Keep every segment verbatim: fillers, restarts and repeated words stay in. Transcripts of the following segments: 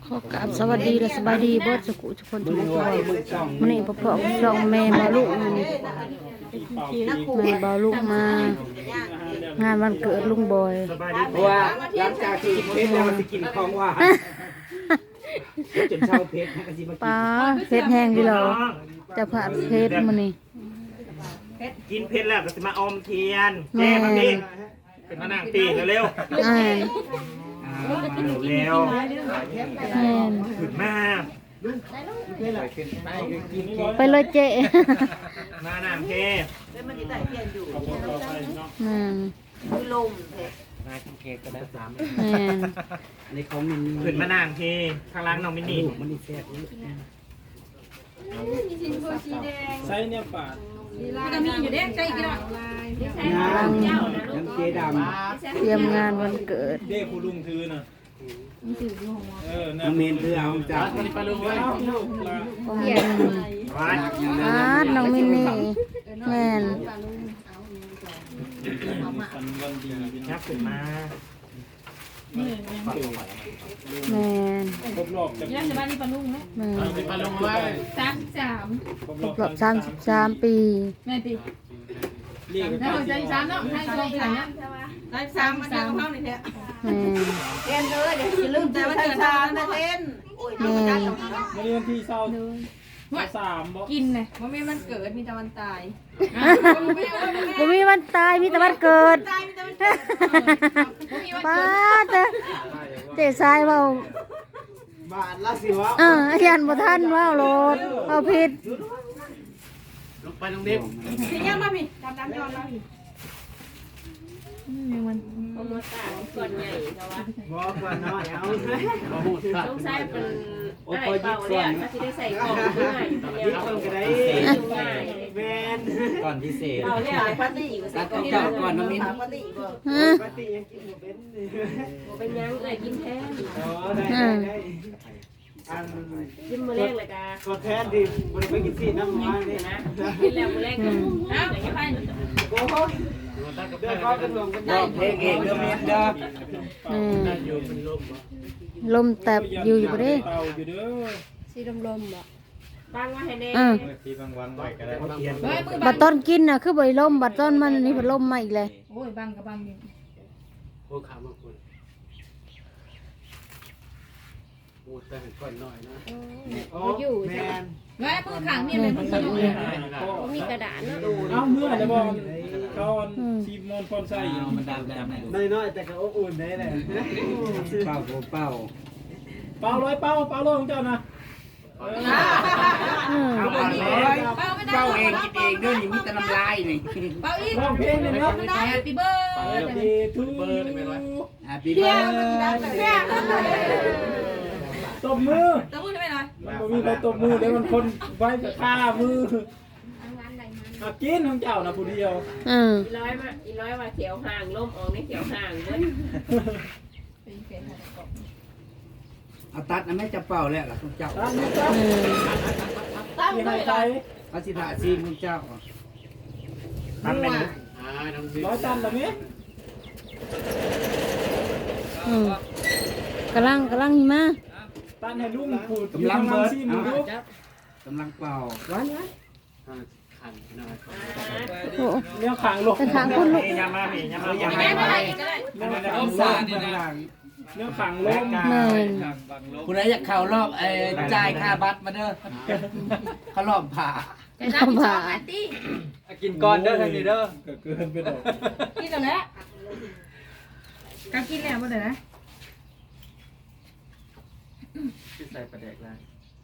ขอกราบสวัสดีและสบายดีเบิดสุขุทุกคนทุกคนมื้อนี้พ่อพ่อช่องแม่บ่าวลูกมื้อนี้แม่บ่าวลูกมางานวันเกิดลุงบอยเพราะว่าหลังจากที่กินเพชรแล้วมันจะกินของหวานจนเช้าเพชรก็สิมาปลาเผ็ดแห้งดีเหรอจะผัดเผ็ดมื้อนี้กินเผ็ดแล้วก็จะมาอมเทียนแก้มาพี่เป็นมานั่งตีเร็วอ่านเร็วแม่นขึ้นมาไปเลยเจ๊มานั่งเทอืมมากินเค้กกันแล้วสามแม่นในของมินขึ้นมานั่งเทข้างล่างน้องมินนี่มันนี่แซ่บใส่เนี่ยปาดมันมีอยู่เด้ใจกี่ดอกน้ำน้ำเจดเตรียมงานวันเกิดเด้ผู้ลุงถือน่ะเออำนะน้ำเมนเพื่อเอาจากไปลุงไว้ของแม่นวัดอาดน้องมินนี่แม่นฟันวันดีเป็นยับขึ้นมาแม่นครบรอบจะนี่จะบ้านนี่ปลาลุงไหมแม่นไปลุงไว้สามสามครบครรอบบ รอบสามสิบสามปีแม่ตีเรียกแล้วใจสามเนาะให้ลงไปไหนเนี่ยได้สามสามเท่านี้แหละแม่นเต้นเลยเดี๋ยวอย่าลืมแต่ว่าจะทานนะเต้นโอ้ยแม่นวันนี้วันที่เศร้าสามบ่กินเลยว่าไม่มันเกิดมีแต่วันตายบ่มีวันตายมีแต่วันเกิดตายมีแต่วันเกิดป้าเตะเตะซ้ายเว้าบาทละสิวะเอออาจารย์บ่ทันเว้าโลดเว้าผิดลงไปตรงนี้พี่ยังมาพี่ดำดำย้อนมาพี่บอกว่าน้อยเอาต้องใช้เป็นโอ้ไอ้ยยิเป่าบเนี่ก่อย นถ้าที่ได้ใส่กล่องง่ายอยู่ยิแล้วบก่อนก็ได้ง่ายแมนก่อนพิเศษเป่าเนี่ยปาร์ตี้อยู่ใส่กล่องเจ้าก่อนน้ำมินปกติบ่ฮะปกติยังกินหมูเป็นเป็นยังเลยกินแทนอ๋อได้ได้ได้อันกินมื้อแรกเลยกะก็แท้ดิบริไปกินซีน้ำมันนี่นะกินแล้วมื้อแรกก็เอ้าอย่าไปโอ้โหเดือดร้อนกันรวมกันได้เพลงเองเดือดเม็ดเด้ออืมลมแตบอยู่อยู่บ่เด้เตาอยู่เด้อสีลมลมบ่บางว่าให้แน่อือที่บางวันไว้ก็ได้เฮ้ยมือบัดต้นกินน่ะคือบ่ได้ลมบัดต้นมันอันนี่เพิ่นลมมาอีกเลยโอ้ยบังกับบังอยู่โอ้ขามาคุณโอ้แต่เห็นก่อนหน่อยนะโอ้แมนเฮ้ยมือขังนี่เลยมันสนุกเลยมีกระดาษเนาะเอาเมื่อจะบอกก่อนชีมอนพรใส่มันดำดำน้อยๆแต่ก็อบอุ่นได้เลยเป่าเป่าเป่าร้อยเป่าเป่าร้อยของเจ้านะอืมเอาก่อนเลยเป่าไม่ได้เป่าเองกินเองด้วยนี่มีแต่น้ำลายนี่เป่าอีกร้องเพลงเลยเนาะแฮปปี้เบิร์ดดีทู Happy birthday ตบมือจะพูดได้ไหมหน่อยมันบ่มีใครตบมือเดี๋ยวมันคนไว้กับข้ามืออากินของเจ้านะผู้เดียวอืมอีร้อยมาอีร้อยว่าเขียวห่างล่มออกในเขียวห่างเด้อเอาตัดนะแม่จะเป่าแล้วล่ะคุณเจ้าตั้งนี่จ้าอืมมีใครใจเอาสิถาซีคุณเจ้าทำเป็นร้อยตันแบบนี้อืมกำลังกำลังหิมะตันให้ลุงขูดกำลังเบิร์ดซีมือลูกกำลังเป่าร้อนร้อนโอ้เลี้ยวขางลงเป็นทางคนลุกยามาพี่ยามาอย่าแม่มาไม่ได้ก็ได้เลี้ยวขางลต้องงสาดนี่นะเลี้ยวขางลงแม่นคุณนายอยากเข่ารอบไอ้จ่ายค่าบัตรมาเด้อเขารอบผ่าแต่ถ้าพี่ชอบแอนตี้กินก่อนเด้อทางนี้เด้อเกินไปดอกกินแล้วแหละการกินแล้วบ่ได้นะใส่ประเด็กแล้ว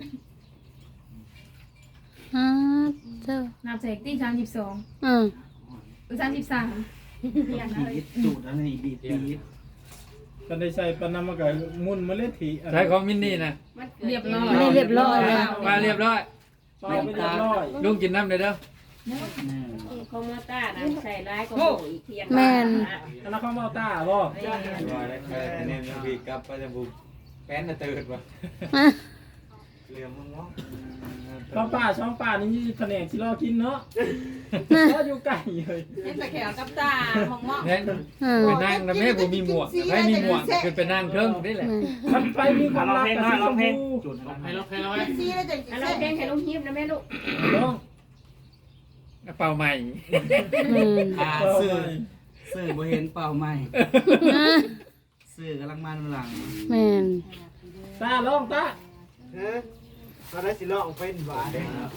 ฮะเจ้านับเสกตี้สามสิบสองอืมสามสิบสามบีบจูดอะไรบีบบีบกันได้ใส่ปนำมากับมุนเมล็ดถีใช้ของมินนี่นะเรียบร้อยนี่เรียบร้อยแล้วมาเรียบร้อยเป่าไปเรียบร้อยลุงกินน้ำเลยเด้อคอมมาต้านะใส่ร้ายก็อีกเพียงแม่นอันนั้นเขามาเอาตาบ่เนี่ยพี่กลับไปจะบุกแป้นตื่นวะอ่ะเหลือมึงเนาะป้าป้าช่องป้านี่มีแผนกที่รอกินเนาะก็อยู่ไก่เลยเห็นแต่แขวกับตามองมองแม่นเออไปนั่งแล้วแม่บ่มีหมวกให้มีหมวกคือไปนั่งเทิงนี่แหละมันไปมีความร้องรักเพลงกับหน่อยร้องเพลงชมจุดร้องเพลงให้เราให้เราซีแล้วจะอันเราเพลงให้ลุงฮิปนะแม่ลูกพูน้องกระเป๋าใหม่แม่นอ่าซื้อซื้อบ่เห็นเป่าใหม่ซื้อกำลังมันหลังแม่นตาลองตาก็ได้สิร้องเป็นหวาน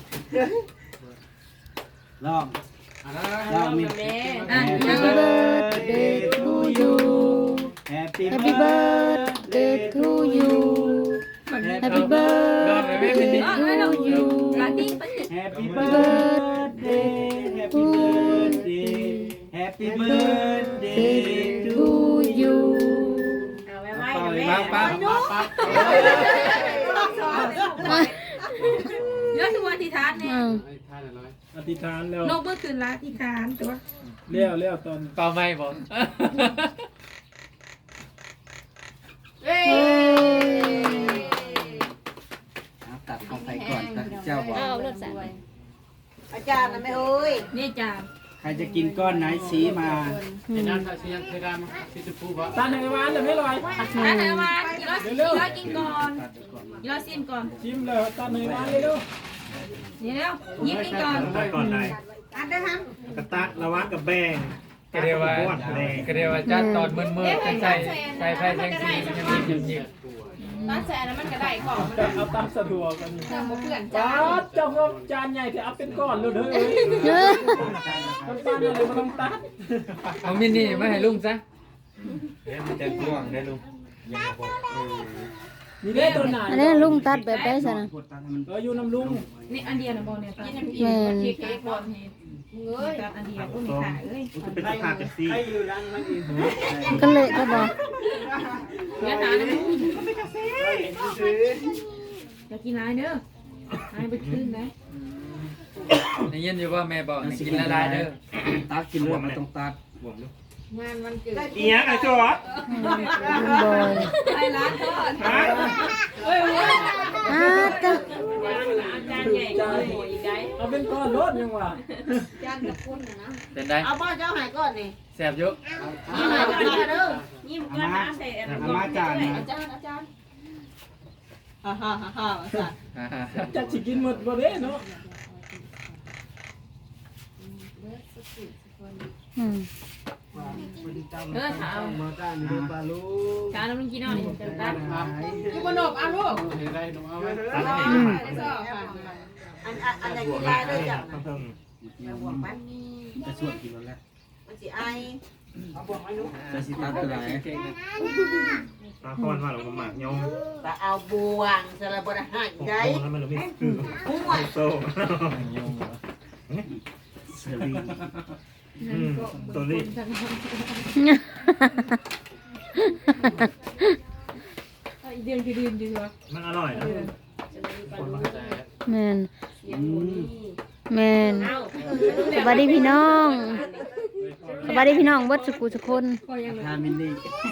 ลองลองมีแม่อ่ะ Happy birthday to you Happy Happy birthday to you Happy birthday to you ปาร์ตี้ Happy birthday Happy birthday Happy birthday to you เอาไว้ไว้แม่ป้าป้าป้าเยอะทุกวันที่ทานเนี่ยอืมอธิษฐานแล้วนกเมื่อคืนละที่ทานตัวเลี้ยวเลี้ยวตอนเป๋าใหม่บ่เอ้ยตัดของใครก่อนตัดเจ้าบอกเอาเลือดสารอาจารย์นะแม่เอ้ยนี่จ้าใครจะกินก้อนไหนชี้มาไอ้นั่นถ้าสิยังเคยได้มั้ยสิจะพูดบ่ตาไหนหวานแต่ไม่ลอยอันไหนมากี่ร้อยกี่ร้อยกินก่อนกี่ร้อยซิมก่อนชิมเลยตาไหนหวานเลยลูกเดี๋ยวยิ้มกินก่อนไปก่อนไหนอันได้ฮัมกระตักระวังกับแบงก็เรียกว่าก็เรียกว่าจัดตอนมืดๆจังใส่ใส่ไฟแสงสีมันยังมีหยิบตอนแซ่นั้นมันก็ได้ของจะเอาตามสะดวกกันเติมเพื่อนจ้าจ้าเจ้าก็จานใหญ่ที่เอาเป็นก้อนเลยเด้อมันป้าเนี่ยเลยมันต้องตัดๆเอามินี่มาให้ลุงซะเดี๋ยวมันจะกว้างได้ลุงยังบอกนี่ได้ตัวไหนอันนี้ลุงตัดแบบได้ซะนะเอออยู่น้ำลุงนี่อันเดียวนะบอลเนี่ยกินน้ำพริกแม่นเค้กบอลเนี่ยเอ้ยอันเดียวอุ้ยขาเอ้ยมันจะเป็นสภาพกันซีก็เลยก็บอกเนื้อหนาเนี่ยอย่ากินร้ายเด้อร้ายไปขึ้นนะได้ยินอยู่ว่าแม่บอกให้กินละลายเด้อตัดกินเลือดมันต้องตัดบวมลูกงานวันเกิดอีหยังไอ้จ๊อลุงบอยไอ้ร้านทอดฮะเอ้ยเว้ยอ้าตะอาจารย์ใหญ่ก็โหอีกได้เอาเป็นก้อนรถยังวะจานกับคุณนะเป็นได้เอาบ้าเจ้าหายก่อนนี่แซ่บอยู่เอาหายก่อนเด้อยิ้มก็น้ำใส่อามาจานนะอาจารย์อาจารย์ฮ่าฮ่าฮ่าฮ่าอาจารย์จะสิกินหมดบ่เด้เนาะอืมเออถามมาจานดูปลาลูกถามน้ำมันกินเอาเนี่ยจะตัดอยู่บนนบเอาลูกตัดให้อันอันอันไหนกินได้เลยจ้ะต้องเพิ่มบวกมันจะสวดกินแล้วมันสิไอจะสิตัดตัวไหนตาคอนว่าเราหมากยงแต่เอาบวงสระบดหายโอ้ได้โหแล้วมันเราไม่คือหัวโซ่เสรีอืมตัวนี้เดือนคือเดือนดีวะมันอร่อยนะคนมาแม่นอืมแม่นสวัสดีพี่น้องสวัสดีพี่น้องเบิดสุกุสุคนทามินนี่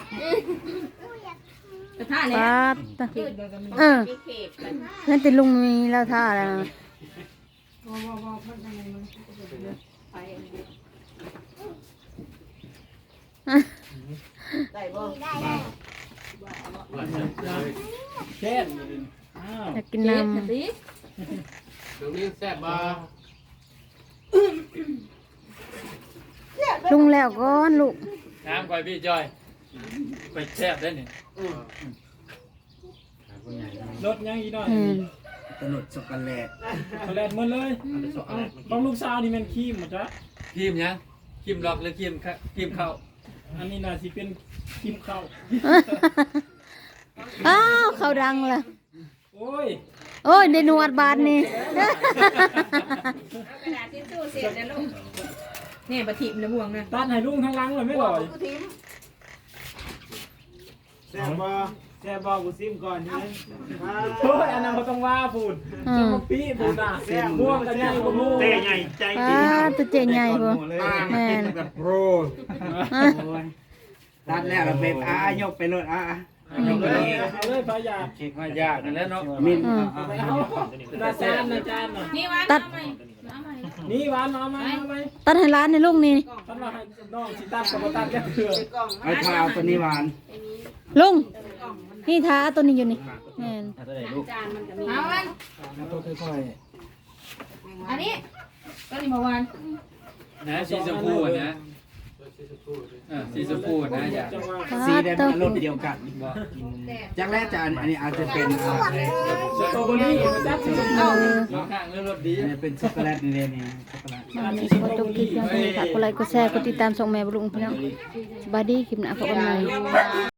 จะท่าเลยป้าดตะเออนั่นติลุงมีแล้วท่าแล้วนะได้บ่แค่อ้าวอยากกินเจ็บน้ำสิตรงนี้แซ่บบ่ลุงแล้วก่อนลูกน้ำก่อยพี่จอยไปแซ่บได้นี่รถยังอีกหน่อยอืมตลดช็อกโกแลตแลนหมดเลยบางลูกสาวนี่มันขี้หมดจ้ะครีมยังครีมล็อกหรือครีมครีมเข้าอันนี้น่าสิเป็นกิมข้าวอ้าวเขาดังละโอ้ยโอ้ยได้หนวดบาทนี่กระดาษทิชชู่เสร็จแล้วลูกเนี่ยปะทิมเลยบ่วงนะตัดให้ลุงทั้งหลังเลยไม่ลอยกูทิ้งแซ่บบ่แซ่บบ่กูซิมก่อนนี่โอ้ยอันนั้นเขาต้องว่าพูดอืจะมมาปีพูดอ่ะม่วงกันใหญ่กว่าม่วงเต้ใหญ่ใจป้าดีดตัวเจใหญ่บ่แม่นแบบโปรตัดแล้วเราเป็นอายกไปรถอ่ะอเอาเลยเอาเลยพายามายากนั่นแหละเนาะมินอืมเอาตาจานนะจานน่ะนี่วันตัดนี่หวานเอามาเอาไปตัดให้ร้านในลูกนี่ท่านว่าให้น้องสิตัดกับบ่ตัดแค่เถื่อไอ้ข้าวตัวนี้หวานลุงนี่ท้าเอาตัวนี้อยู่นี่แม่นจานมันก็มีเอาวันเอาตัวค่อยอันนี้ก็นี่เมื่อวานนะสีชมพูนะเออสีชมพูนะอย่าๆจังว่าสีแดงมันรสเดียวกันจากแรกจะอันนี้อาจจะเป็นอ่าสตรอเบอรี่มันจัดสิเออข้างเรื่องรถดีอันนี้เป็นช็อกโกแลตนี่เลยนี่ช็อกโกแลตมาในสวัสดีคลิปยังไงฝากกดไลค์กดแชร์กดติดตามส่งแม่บุรุงพี่น้องสบายดีคลิปหน้าพบกันใหม่